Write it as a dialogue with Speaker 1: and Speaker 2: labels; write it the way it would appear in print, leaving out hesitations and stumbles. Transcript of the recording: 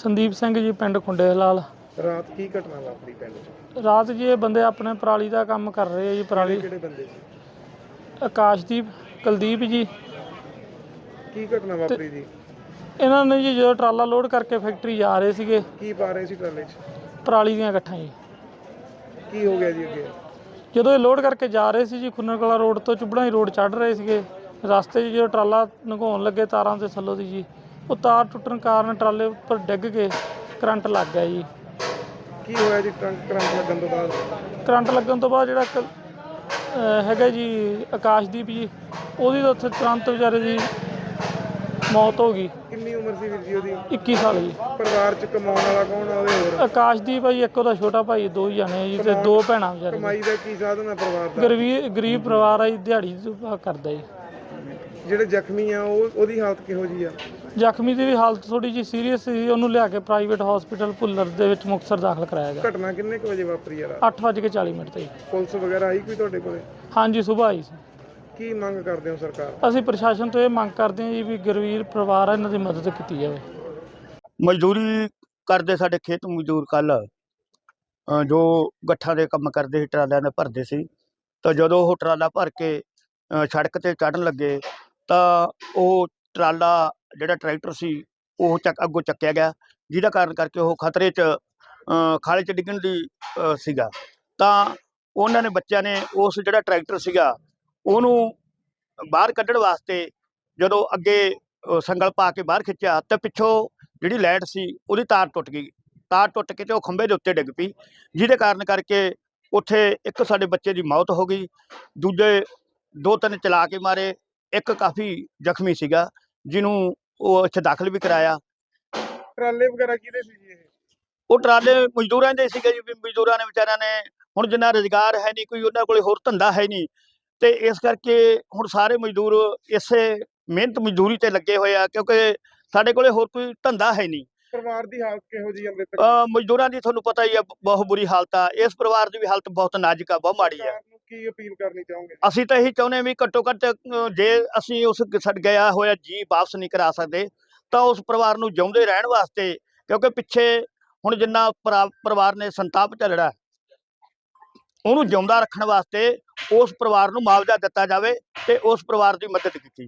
Speaker 1: संदीप सिंह जी पिंड खुंडे लाल।
Speaker 2: रात की घटना वापरी पिंड च?
Speaker 1: रात जी ये बंदे अपने पराली का काम कर रहे हैं जी। पराली
Speaker 2: किहड़े बंदे जी?
Speaker 1: आकाशदीप कुलदीप जी।
Speaker 2: की घटना वापरी जी?
Speaker 1: इन्होंने जी जो ट्राला लोड करके फैक्ट्री जा रहे थे,
Speaker 2: की पा रहे सी ट्राले च?
Speaker 1: पराली ਦੀਆਂ ਗੱਠਾਂ जी।
Speaker 2: की हो गया जी अगे?
Speaker 1: ਜਦੋਂ ਇਹ ਲੋਡ ਕਰਕੇ ਜਾ ਰਹੇ ਸੀ ਜੀ, ਖੁੰਨਰ ਕਲਾ ਰੋਡ ਤੋਂ ਚੁੱਬੜਾ ਹੀ ਰੋਡ ਚੜ੍ਹ ਰਹੇ ਸੀਗੇ। ਰਸਤੇ 'ਚ ਜਦੋਂ ਟਰਾਲਾ ਲੰਘਾਉਣ ਲੱਗੇ ਤਾਰਾਂ ਦੇ ਥੱਲੋਂ ਦੀ ਜੀ, ਉਹ ਤਾਰ ਟੁੱਟਣ ਕਾਰਨ ਟਰਾਲੇ ਉੱਪਰ ਡਿੱਗ ਕੇ ਕਰੰਟ ਲੱਗ ਗਿਆ ਜੀ।
Speaker 2: ਕੀ ਹੋਇਆ ਜੀ ਕਰੰਟ ਲੱਗਣ ਤੋਂ ਬਾਅਦ?
Speaker 1: ਕਰੰਟ ਲੱਗਣ ਤੋਂ ਬਾਅਦ ਜਿਹੜਾ ਹੈਗਾ ਜੀ ਆਕਾਸ਼ਦੀਪ ਜੀ, ਉਹਦੀ ਤਾਂ ਉੱਥੇ ਤੁਰੰਤ ਵਿਚਾਰੇ ਦੀ ਮੌਤ ਹੋ ਗਈ।
Speaker 2: ਕਿੰਨੀ ਉਮਰ ਸੀ ਵੀਰ ਜੀ ਉਹਦੀ?
Speaker 1: 21 ਸਾਲ ਜੀ।
Speaker 2: ਪਰਿਵਾਰ ਚ ਕਮਾਉਣ ਵਾਲਾ ਕੌਣ ਆ ਉਹਦੇ? ਹੋਰ
Speaker 1: ਆਕਾਸ਼ਦੀਪ ਆ ਜੀ, ਇੱਕ ਉਹਦਾ ਛੋਟਾ ਭਾਈ, 2 ਜਣੇ ਜੀ, ਤੇ 2 ਭੈਣਾਂ ਵਿਚਾਰੇ।
Speaker 2: ਕਮਾਈ ਦਾ ਕੀ ਸਾਧਨ ਹੈ ਪਰਿਵਾਰ ਦਾ?
Speaker 1: ਗਰੀਬ ਪਰਿਵਾਰ ਆ ਜੀ, ਦਿਹਾੜੀ ਕਰਦਾ ਜੀ।
Speaker 2: ਜਿਹੜੇ ਜ਼ਖਮੀ ਆ ਉਹਦੀ ਹਾਲਤ ਕਿਹੋ ਜੀ ਆ?
Speaker 1: ਜ਼ਖਮੀ ਦੀ ਵੀ ਹਾਲਤ ਥੋੜੀ ਜਿਹੀ ਸੀਰੀਅਸ ਸੀ, ਉਹਨੂੰ ਲਿਆ ਕੇ ਪ੍ਰਾਈਵੇਟ ਹਸਪੀਟਲ ਭੁੱਲਰ ਦੇ ਵਿੱਚ ਮੁਕਤਸਰ ਦਾਖਲ ਕਰਾਇਆ ਗਿਆ।
Speaker 2: ਘਟਨਾ ਕਿੰਨੇ ਕੁ ਵਜੇ ਵਾਪਰੀ ਆ?
Speaker 1: 8:40 ਤੇ ਜੀ।
Speaker 2: ਪੁਲਿਸ ਵਗੈਰਾ ਆਈ ਕੋਈ ਤੁਹਾਡੇ ਕੋਲੇ?
Speaker 1: ਹਾਂਜੀ, ਸੁਬਾਹ ਆਈ ਸੀ।
Speaker 2: ਕੀ ਮੰਗ ਕਰਦੇ ਹੋ ਸਰਕਾਰ?
Speaker 1: ਅਸੀਂ ਪ੍ਰਸ਼ਾਸਨ ਤੋਂ ਇਹ ਮੰਗ ਕਰਦੇ ਹਾਂ ਜੀ ਵੀ ਗਰੀਬ ਪਰਿਵਾਰ ਆ, ਇਹਨਾਂ ਦੀ ਮਦਦ ਕੀਤੀ ਜਾਵੇ।
Speaker 3: ਮਜ਼ਦੂਰੀ ਕਰਦੇ ਸਾਡੇ ਖੇਤ ਮਜ਼ਦੂਰ ਕੱਲ੍ਹ ਜੋ ਗੱਠਾਂ ਦੇ ਕੰਮ ਕਰਦੇ ਸੀ, ਟਰਾਲਿਆਂ ਦੇ ਭਰਦੇ ਸੀ, ਤਾਂ ਜਦੋਂ ਉਹ ਟਰਾਲਾ ਭਰ ਕੇ ਸੜਕ 'ਤੇ ਚੜ੍ਹਨ ਲੱਗੇ ਤਾਂ ਉਹ ਟਰਾਲਾ ਜਿਹੜਾ ਟਰੈਕਟਰ ਸੀ ਉਹ ਅੱਗੋਂ ਚੱਕਿਆ ਗਿਆ, ਜਿਹਦਾ ਕਾਰਨ ਕਰਕੇ ਉਹ ਖਤਰੇ 'ਚ ਖਾਲੇ 'ਚ ਡਿੱਗਣ ਦੀ ਸੀਗਾ। ਤਾਂ ਉਹਨਾਂ ਨੇ ਬੱਚਿਆਂ ਨੇ ਉਸ ਜਿਹੜਾ ਟਰੈਕਟਰ ਸੀਗਾ ਉਹਨੂੰ ਬਾਹਰ ਕੱਢਣ ਵਾਸਤੇ ਜਦੋਂ ਅੱਗੇ ਸੰਗਲ ਪਾ ਕੇ ਬਾਹਰ ਖਿੱਚਿਆ ਤਾਂ ਪਿੱਛੋਂ ਜਿਹੜੀ ਲਾਈਟ ਸੀ ਉਹਦੀ ਤਾਰ ਟੁੱਟ ਗਈ। ਤਾਰ ਟੁੱਟ ਕੇ ਤੇ ਉਹ ਖੰਭੇ ਦੇ ਉੱਤੇ ਡਿੱਗ ਪਈ, ਜਿਹਦੇ ਕਾਰਨ ਕਰਕੇ ਉੱਥੇ ਇੱਕ ਸਾਡੇ ਬੱਚੇ ਦੀ ਮੌਤ ਹੋ ਗਈ, ਦੂਜੇ 2-3 ਚਲਾ ਕੇ ਮਾਰੇ, ਇੱਕ ਕਾਫੀ ਜ਼ਖਮੀ ਸੀਗਾ ਜਿਹਨੂੰ ਉਹ ਇੱਥੇ ਦਾਖਲ ਵੀ ਕਰਾਇਆ।
Speaker 2: ਟਰਾਲੇ ਵਗੈਰਾ ਕਿਹਦੇ ਸੀ ਜੀ ਇਹ?
Speaker 3: ਉਹ ਟਰਾਲੇ ਮਜ਼ਦੂਰਾਂ ਦੇ ਸੀਗੇ ਜੀ। ਮਜ਼ਦੂਰਾਂ ਨੇ ਵਿਚਾਰਿਆਂ ਨੇ ਹੁਣ ਜਿੰਨਾ ਰੁਜ਼ਗਾਰ ਹੈ ਨਹੀਂ, ਕੋਈ ਉਹਨਾਂ ਕੋਲ ਹੋਰ ਧੰਦਾ ਹੈ ਨਹੀਂ, ਤੇ ਇਸ ਕਰਕੇ ਹੁਣ ਸਾਰੇ ਮਜ਼ਦੂਰ ਇਸੇ ਮਿਹਨਤ ਮਜ਼ਦੂਰੀ ਤੇ ਲੱਗੇ ਹੋਏ ਆ, ਕਿਉਂਕਿ ਸਾਡੇ ਕੋਲੇ ਹੋਰ ਕੋਈ ਧੰਦਾ ਹੈ ਨਹੀਂ।
Speaker 2: ਪਰਿਵਾਰ ਦੀ ਹਾਲਤ ਕਿਹੋ ਜੀ?
Speaker 3: ਮਜ਼ਦੂਰਾਂ ਦੀ ਤੁਹਾਨੂੰ ਪਤਾ ਹੀ ਆ, ਬਹੁਤ ਬੁਰੀ ਹਾਲਤ ਆ। ਇਸ ਪਰਿਵਾਰ ਦੀ ਵੀ ਹਾਲਤ ਬਹੁਤ ਨਾਜ਼ੁਕ ਆ, ਬਹੁਤ ਮਾੜੀ ਆ।
Speaker 2: ਕੀ ਅਪੀਲ ਕਰਨੀ ਚਾਹੋਗੇ?
Speaker 3: ਅਸੀਂ ਤਾਂ ਇਹੀ ਚਾਹੁੰਦੇ ਹਾਂ ਵੀ ਘੱਟੋ ਘੱਟ ਜੇ ਅਸੀਂ ਉਸ ਗਿਆ ਹੋਇਆ ਜੀ ਵਾਪਸ ਨਹੀਂ ਕਰਾ ਸਕਦੇ ਤਾਂ ਉਸ ਪਰਿਵਾਰ ਨੂੰ ਜਿਉਂਦੇ ਰਹਿਣ ਵਾਸਤੇ, ਕਿਉਂਕਿ ਪਿੱਛੇ ਹੁਣ ਜਿੰਨਾ ਪਰਿਵਾਰ ਨੇ ਸੰਤਾਪ ਝੱਲਣਾ, ਉਹਨੂੰ ਜਿਉਂਦਾ ਰੱਖਣ ਵਾਸਤੇ ਉਸ ਪਰਿਵਾਰ ਨੂੰ ਮੁਆਵਜ਼ਾ ਦਿੱਤਾ ਜਾਵੇ ਤੇ ਉਸ ਪਰਿਵਾਰ ਦੀ ਮਦਦ ਕੀਤੀ ਜਾਵੇ।